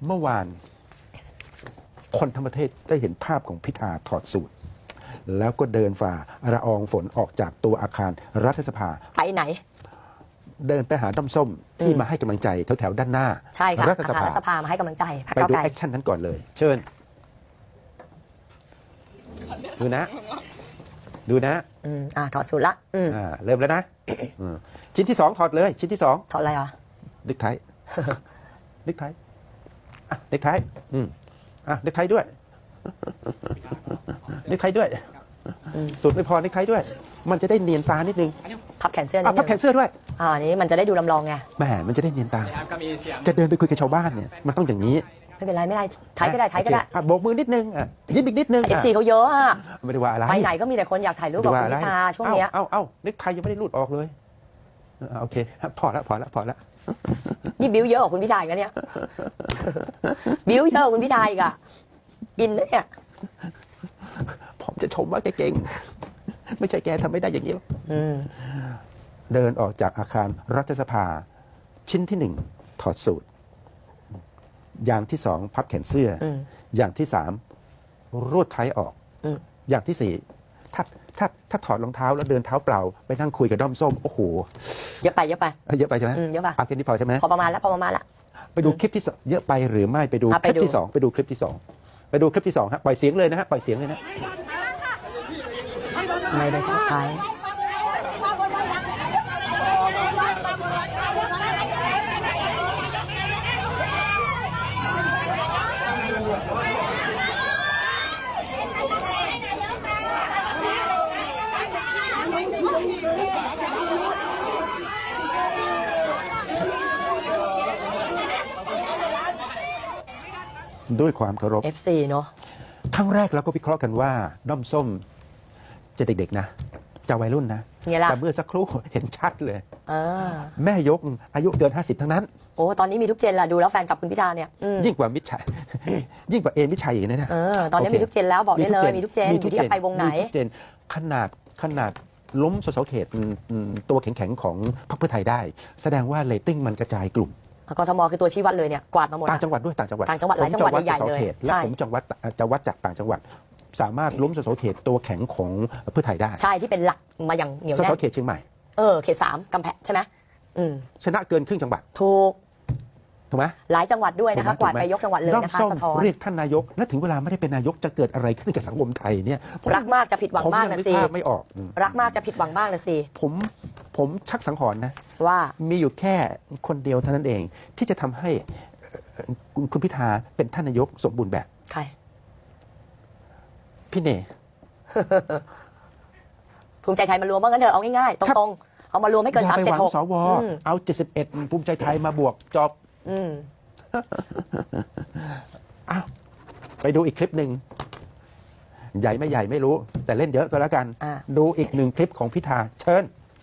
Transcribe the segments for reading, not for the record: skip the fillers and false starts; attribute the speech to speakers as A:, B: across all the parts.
A: เมื่อวานคนทั้งประเทศได้เห็นภาพของพิธาถอดสูทแล้วก็เดินฝ่าละอองฝนออกจากตัวอาคารรัฐสภา
B: ไปไหน
A: เดินไปหาด้อมส้มที่มาให้กำลังใจแถวๆด้านหน้า
B: ใช่ค่ะ
A: รัฐสภา
B: มาให้กำลังใจ
A: ไปดูแอคชั่นนั้นก่อนเลย เชิญดูนะ
B: ถอดสูทละ
A: เริ่มแล้วนะชิ้นที่2ถอดเลยชิ้นที่2
B: ถอดอะไรอ่ะ
A: เน็กไทเน็กไทเน็กไทเน็กไทด้วยเน็กไทด้วยสูตรไม่พอเน็กไทด้วยมันจะได้เนียนตานิดนึง
B: พับแขนเสื้อนิดนึง
A: พับแขนเสื้อด้วย
B: อันนี้มันจะได้ดูลำลองไง
A: แหมมันจะได้เนียนตาจะเดินไปคุยกับชาวบ้านเนี่ยมันต้องอย่างนี้
B: ไม่เป็นไรไม่ได้ไทยก็ได้
A: โบกมือนิดนึงยิ้มอีกนิดนึง
B: FC เขาเยอะอ่ะ
A: ไม่ได้ว่าอะไร
B: ไปไหนก็มีแต่คนอยากถ่ายรูปกับคุณพิธาช่วงนี้
A: เอาเน็กไทยังไม่ได้รูดออกเลยโอเคพอแล้ว
B: นี่บิ้วเยอะกว่าคุณพิธาอีกนะเนี่ยบิ้วเยอะกว่าคุณพิธาอีกอ่ะกินเนี่ย
A: ผมจะชมว่าแกเก่งไม่ใช่แกทำไม่ได้อย่างนี้หรอกเดินออกจากอาคารรัฐสภาชิ้นที่1ถอดสูทอย่างที่2พับแขนเสื้ออย่างที่3รูดไทออกอย่างที่4ถ้าถอดรองเท้าแล้วเดินเท้าเปล่าไปนั่งคุยกับด้อมส้มโอ้โห
B: เยอะไปใช่ไหม
A: เยอะไปแค่นี้พอใช่ไหม
B: พอประมาณแล้ว
A: ไปดูคลิปที่เยอะไปหรือไม่ไปดูคลิปที่2ไปดูคลิปที่2ฮะปล่อยเสียงเลยนะฮะปล่อยเสียงเลยนะ
B: ไม่ได้ทักทาย
A: ด้วยความเคารพ
B: FC เนาะ
A: ครั้งแรกเราก็วิเคราะห์กันว่าด้อมส้มจะเด็กๆนะจะวัยรุ่นนะแต่เมื่อสักครู่เห็นชัดเลยแม่ยกอายุเกิน50ทั้งนั้น
B: โอ้ตอนนี้มีทุกเจนละดูแล้วแฟนกับคุณพิธาเนี่ย
A: ยิ่งกว่ามิตรชัยยิ่งกว่ามิตรชัยอีกนะ
B: ตอนนี้มีทุกเจนแล้วบอกได้เลยมีทุกเจนอยู่ที่ไปวงไหน
A: ขนาดล้มสสเขตตัวแข็งๆของพรรคเพื่อไทยได้แสดงว่าเรตติ้งมันกระจายกลุ่ม
B: กทมคือตัวชี้วัดเลยเนี่ยกวาดมาหมด
A: ต่างจังหวัดด้วยต่างจังหวัด
B: หลายจังหวัดใหญ่เลย
A: และผมจะวัดจากต่างจังหวัดสามารถล้มสสเขตตัวแข็งของเพื่อไทยได้
B: ใช่ที่เป็นหลักมาอย่างเหนียวแน่น
A: สสเขตเชียงใหม่
B: เขต3กำแพงใช่ไหม
A: ชนะเกินครึ่งจังหวัด
B: ถูก
A: ไหม
B: หลายจังหวัดด้วยนะคะกวาดไปยกจังหวัดเลยนะคะสะท้อน
A: เรียกท่านนายกและถึงเวลาไม่ได้เป็นนายกจะเกิดอะไรขึ้นกับสังคมไทยเนี่ย
B: รักมากจะผิดหวังมากนะสิ
A: ไม่ออก
B: รักมากจะผิดหวังมากนะสิ
A: ผมชักสังหรณ์นะ
B: ว่า
A: มีอยู่แค่คนเดียวเท่านั้นเองที่จะทำให้คุณพิธาเป็นท่านนายกสมบูรณ์แบบ
B: ใคร
A: พี่เน
B: ภูมิใจไทยมารวมว่างั้นเถอะเอาง่ายๆตรงๆเอามารวมให้เกิน376
A: สวเอา71ภูมิใจไทยมาบวกจบไปดูอีกคลิปหนึ่งใหญ่ไม่ใหญ่ไม่รู้แต่เล่นเยอะก็แล้วกันดูอีก1คลิปของพิธาเชิญ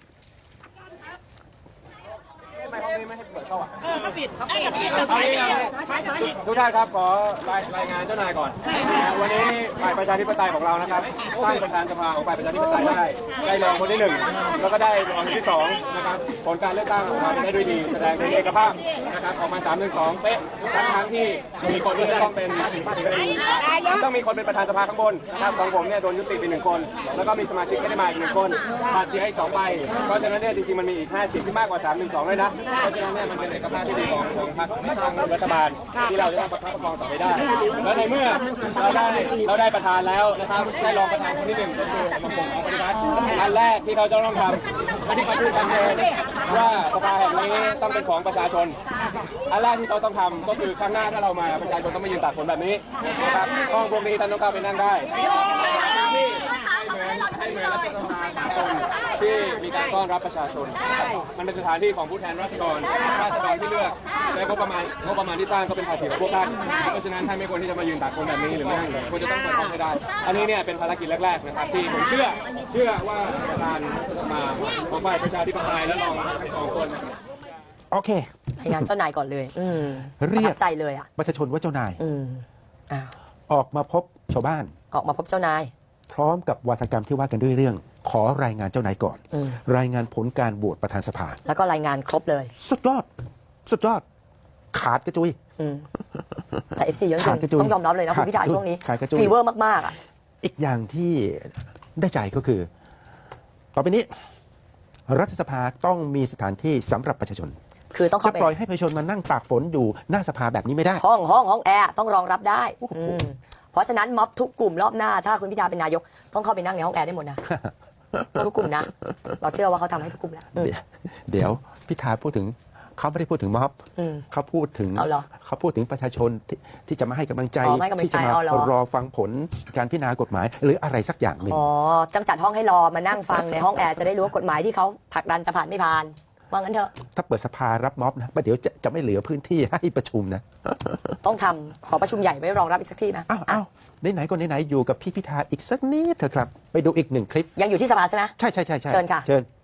C: ทุกท่านครับขอรายงานเจ้านายก่อนวันนี้ฝ่ายประชาธิปไตยของเรานะครับตั้งประธานสภาของฝ่ายประชาธิปไตยได้รองคนที่1แล้วก็ได้รองที่2นะครับผลการเลือกตั้งออกมาได้ด้วยดีแสดงถึงเอกภาพนะครับออกมา3-1-2เป๊ะทั้งที่มีคนที่ต้องเป็นต้องมีคนเป็นประธานสภาข้างบนนะครับของผมเนี่ยโดนยุติไป1คนแล้วก็มีสมาชิกไม่ได้มาอีก1คนขาดเสียอีก2ใบเพราะฉะนั้นเนี่ยจริงๆมันมีอีก50ที่มากกว่า3-1-2เลยนะเพราะฉะนั้นเนี่ยมันเป็นเอกภาพที่ดีของพรรคทางรัฐบาลที่เราจะต้องประคับประคองต่อไปได้และในเมื่อเราได้ประธานแล้วนะครับได้รองประธานคนที่1ก็คือผมปฏิวัติอันแรกที่เขาจะต้องทำไม่ได้มาพูดกันเลยว่าสภาแห่งนี้ต้องเป็นของประชาชนอันแรกที่เขาต้องทำก็คือข้างหน้าถ้าเรามาประชาชนต้องมายืนตากฝนแบบนี้นะครับห้องพวกนี้ท่านต้องเข้าไปนั่งได้ที่ให้เหมือนรัฐสภาสากลที่มีการต้อนรับประชาชนมันเป็นสถานที่ของผู้แทนราษฎรที่เลือกและงบประมาณที่สร้างก็เป็นภาษีของพวกท่านเพราะฉะนั้นท่านไม่ควรที่จะมายืนตากฝนแบบนี้หรือไม่นั่งเลยควรจะต้องเปิดห้องให้ได้อันนี้เนี่ยเป็นภารกิจแรกๆนะครับที่ผมเชื่อว่าประธานมาของฝ่ายประชาธิปไตยและรองทั้ง2คน
A: โอเค
B: รายงานเจ้านายก่อนเลย
A: เรียก
B: ใจเลยอ่ะ
A: ประชาชนว่าเจ้านายออกมาพบชาวบ้าน
B: ออกมาพบเจ้านาย
A: พร้อมกับวาทกรรมที่ว่ากันด้วยเรื่องขอรายงานเจ้านายก่อนรายงานผลการโหวตประธานสภา
B: แล้วก็รายงานครบเลย
A: สุดยอดขาดกระจุย
B: แต่ FC เยอะจ
A: ขาดก
B: ริ
A: ระจุ
B: ง
A: ย
B: ต้องยอมรับเลยนะคุณพิธา
A: ขาดกระจุย
B: ช่วงนี้
A: ขาดกระจุย
B: ฟีเวอร์มากๆอ่ะ
A: อีกอย่างที่ได้ใจก็คือ ต่อไปนี้รัฐสภาต้องมีสถานที่สำหรับประชาชน
B: คือต้อง
A: จะ
B: เข้าไป
A: ปล่อยให้ประชาชนมานั่งตากฝนอยู่หน้าสภาแบบนี้ไม่ได้
B: ห้องแอร์ต้องรองรับได้เพราะฉะนั้นม็อบทุกกลุ่มรอบหน้า ถ้าคุณพิธาเป็นนายกต้องเข้าไปนั่งในห้องแอร์ได้หมดนะ ทุกกลุ่มนะ เราเชื่อว่าเขาทำให้ทุกกลุ่มแล้ว
A: เดี๋ยวพิธาพูดถึงเขาไม่ได้พูดถึงม็อบ
B: อืม
A: เขาพูดถึง
B: เอาเหรอ
A: เขาพูดถึงประชาชนที่จะมาให้กำลังใจ
B: อ๋อให้กำลังใจ
A: ที่จะมา
B: เอาเหรอ
A: รอฟังผลการพิจารณากฎหมาย หรืออะไรสักอย่างหนึ่ง
B: อ๋อจัดห้องให้รอมานั่งฟังในห้องแอร์จะได้รู้ว่ากฎหมายที่เขาผลักดันจะผ่านไม่ผ่านว่างั้นเถอะ
A: ถ้าเปิดสภารับม็อบนะประเดี๋ยวจะไม่เหลือพื้นที่ให้ประชุมนะ
B: ต้องทำขอประชุมใหญ่ไว้รองรับอีกสักที่นะ
A: อ้าวไหนๆก็ไหนๆอยู่กับพี่พิธาอีกสักนิดเถอะครับ ไปดูอีกหนึ่งคลิป
B: ยังอยู่ที่สภาใช่ไหม
A: ใช่
B: เชิญค่ะ
A: เชิญ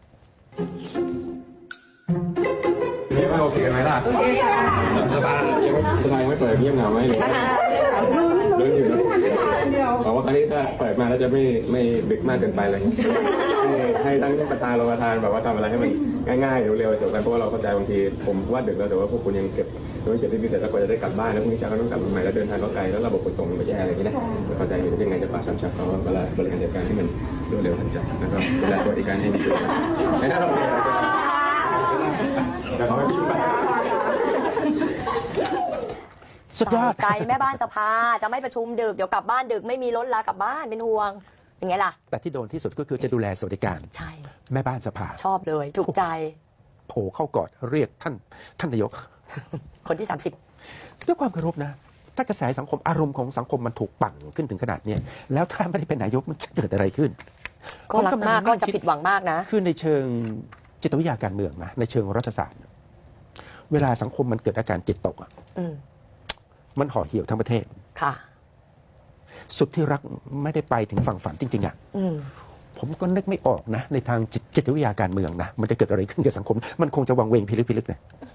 C: นี่ไม่โอเคไหมล่ะสภายังไม่เปิดเงียบเหงาไหมเดินอยู่นะบอกว่าครั้งนี้ถ้าเปิดมาแล้วจะไม่ดึกมากเกินไปเลย ให้ทั้งประธานรองประธานแบบว่าทำอะไรให้มันง่ายๆเร็วๆจบไปเพราะว่าเราเข้าใจบางทีผมว่าดึกแล้วแต่ว่าพวกคุณยังเก็บที่พิเศษแล้วกว่าจะได้กลับบ้านแล้วพรุ่งนี้เช้าก็ต้องกลับมาใหม่แล้วเดินทางก็ไกลแล้วระบบขนส่งมันก็แย่อะไรอย่างนี้นะเข้าใจอยู่ยังไงจะฝากสามชักเขาเวลาบริการจัดการให้มันรวดเร็วทันใจนะครับเวลาสวัสดิการให้ดีด้วยในหน้าเราเนี่ยแต่เขาไม่พิมพ์ไป
A: สุดยอด
B: ใจแม่บ้านสภาจะไม่ประชุมดึกเดี๋ยวกลับบ้านดึกไม่มีรถลากลับบ้านเป็นห่วงเป็นไงล่ะ
A: แต่ที่โดนที่สุดก็คือจะดูแลสวัสดิการ
B: ใช่
A: แม่บ้านสภา
B: ชอบเลยถูกใจ
A: โผล่เข้ากอดเรียกท่านนายก
B: คนที่
A: ด้วยความเคารพนะ ถ้ากระแสสังคมอารมณ์ของสังคมมันถูกปั่นขึ้นถึงขนาดเนี้ยแล้วถ้าไม่ได้เป็นนายกมันจะเกิดอะไรขึ้น
B: 30ก็รักมากก็จะผิดหวังมากนะ
A: คือในเชิงจิตวิทยาการเมืองนะในเชิงรัฐศาสตร์ เวลาสังคมมันเกิดอาการจิตตกอะ
B: อืม
A: มันห่อเหี่ยวทั้งประเทศ
B: ค่ะ
A: สุดที่รักไม่ได้ไปถึงฝั่งฝันจริงๆอะ
B: อืม
A: ผมก็นึกไม่ออกนะ ในทางจิตวิทยาการเมืองนะมันจะเกิดอะไรขึ้นกับสังคม มันคงจะวังเวงพิลึกๆนะ